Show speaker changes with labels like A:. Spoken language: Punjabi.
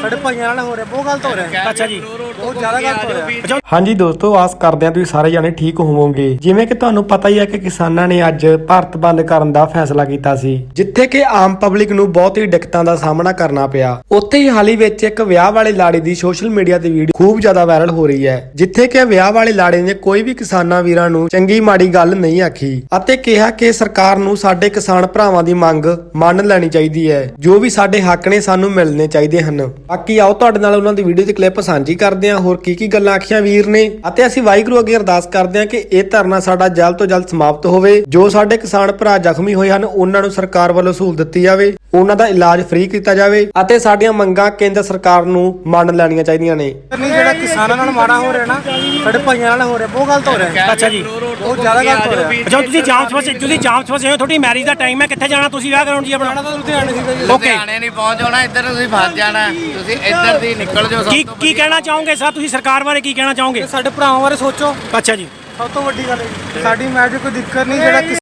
A: ਸਾਡੇ ਭਾਈਆਂ ਨਾਲ ਹੋ ਰਿਹਾ, ਬਹੁਤ ਗਲਤ ਹੋ ਰਿਹਾ।
B: ਅੱਛਾ ਜੀ,
A: ਬਹੁਤ ਜ਼ਿਆਦਾ ਗਲਤ ਹੋ ਰਿਹਾ।
C: ਹਾਂਜੀ ਦੋਸਤੋ, ਆਸ ਕਰਦੇ ਹਾਂ ਤੁਸੀਂ ਸਾਰੇ ਜਾਣੇ ਠੀਕ ਹੋਵੋਗੇ। ਜਿਵੇਂ ਕਿ ਤੁਹਾਨੂੰ ਪਤਾ ਹੀ ਹੈ ਕਿ ਕਿਸਾਨਾਂ ਨੇ ਅੱਜ ਭਾਰਤ ਬੰਦ ਕਰਨ ਦਾ ਫੈਸਲਾ ਕੀਤਾ ਸੀ, ਜਿੱਥੇ ਕਿ ਆਮ ਪਬਲਿਕ ਨੂੰ ਬਹੁਤ ਹੀ ਦਿੱਕਤਾਂ ਦਾ ਸਾਹਮਣਾ ਕਰਨਾ ਪਿਆ। ਉੱਥੇ ਹੀ ਹਾਲ ਹੀ ਵਿੱਚ ਇੱਕ ਵਿਆਹ ਵਾਲੇ ਲਾੜੇ ਦੀ ਸੋਸ਼ਲ ਮੀਡੀਆ ਤੇ ਵੀਡੀਓ ਖੂਬ ਜ਼ਿਆਦਾ ਵਾਇਰਲ ਹੋ ਰਹੀ ਹੈ, ਜਿੱਥੇ ਕਿ ਵਿਆਹ ਵਾਲੇ ਲਾੜੇ ਨੇ ਕੋਈ ਵੀ ਕਿਸਾਨਾਂ ਵੀਰਾਂ ਨੂੰ ਚੰਗੀ ਮਾੜੀ ਗੱਲ ਨਹੀਂ ਆਖੀ ਅਤੇ ਕਿਹਾ ਕਿ ਸਰਕਾਰ ਨੂੰ ਸਾਡੇ ਕਿਸਾਨ ਭਰਾਵਾਂ ਦੀ ਮੰਗ ਮੰਨ ਲੈਣੀ ਚਾਹੀਦੀ ਹੈ। ਜੋ ਵੀ ਸਾਡੇ ਹੱਕ ਨੇ ਸਾਨੂੰ ਮਿਲਣੇ ਚਾਹੀਦੇ ਹਨ। ਬਾਕੀ ਆਓ ਤੁਹਾਡੇ ਨਾਲ ਉਹਨਾਂ ਦੀ ਵੀਡੀਓ ਦੀ ਕਲਿੱਪ ਸਾਂਝੀ ਕਰਦੇ ਹਾਂ, ਹੋਰ ਕੀ ਗੱਲਾਂ ਆਖੀਆਂ ਵੀਰ ਨੇ, ਅਤੇ ਅਸੀਂ ਵਾਹਿਗੁਰੂ ਅੱਗੇ ਅਰਦਾਸ ਕਰਦੇ ਹਾਂ ਕਿ ਇਹ ਧਰਨਾ ਸਾਡਾ ਜਲਦ ਤੋਂ ਜਲਦ ਸਮਾਪਤ ਹੋਵੇ। ਜੋ ਸਾਡੇ ਕਿਸਾਨ ਭਰਾ ਜ਼ਖਮੀ ਹੋਏ ਹਨ ਉਹਨਾਂ ਨੂੰ ਸਰਕਾਰ ਵੱਲੋਂ ਸਹੂਲਤ ਦਿੱਤੀ ਜਾਵੇ, ਉਹਨਾਂ ਦਾ ਇਲਾਜ ਫ੍ਰੀ ਕੀਤਾ ਜਾਵੇ ਅਤੇ ਸਾਡੀਆਂ ਮੰਗਾਂ ਕੇਂਦਰ ਸਰਕਾਰ ਨੂੰ ਮੰਨ ਲੈਣੀਆਂ ਚਾਹੀਦੀਆਂ ਨੇ।
A: ਜਿਹੜਾ ਕਿਸਾਨਾਂ ਨਾਲ ਮਾੜਾ ਹੋ ਰਿਹਾ ਨਾ, ਸਾਡੇ ਭਾਈਆਂ ਨਾਲ ਹੋ ਰਿਹਾ, ਬਹੁਤ ਗਲਤ ਹੋ ਰਿਹਾ।
B: ਅੱਛਾ ਜੀ,
A: ਬਹੁਤ ਜ਼ਿਆਦਾ ਗਲਤ ਹੋ ਰਿਹਾ।
B: ਅੱਛਾ, ਤੁਸੀਂ ਜਾਮ ਫਸੇ ਹੋ, ਤੁਹਾਡੀ ਮੈਰਿਜ ਦਾ ਟਾਈਮ ਹੈ, ਕਿੱਥੇ ਜਾਣਾ ਤੁਸੀਂ ਵਿਆਹ ਕਰਾਉਣ ਜੀ ਆਪਣਾ?
A: ਲੁਧਿਆਣੇ ਸੀਗਾ ਜੀ।
D: ਲੁਧਿਆਣੇ ਨਹੀਂ ਪਹੁੰਚ ਜਾਣਾ, ਇੱਧਰ ਤੁਸੀਂ ਫਸ ਜਾਣਾ, ਤੁਸੀਂ ਇੱਧਰ ਦੀ ਨਿਕਲ ਜਾਓ।
B: ਕੀ ਕਹਿਣਾ ਚਾਹੋਗੇ ਸਰ, ਤੁਸੀਂ ਸਰਕਾਰ ਬਾਰੇ ਕੀ ਕਹਿਣਾ ਚਾਹੋਗੇ?
A: ਸਾਡੇ ਭਰਾਵਾਂ ਬਾਰੇ ਸੋਚੋ।
B: ਅੱਛਾ ਜੀ,
A: ਸਭ ਤੋਂ ਵੱਡੀ ਗੱਲ ਹੈ ਸਾਡੀ ਮੈਰਿਜ ਕੋਈ ਦਿੱਕਤ ਨਹੀਂ, ਜਿਹੜਾ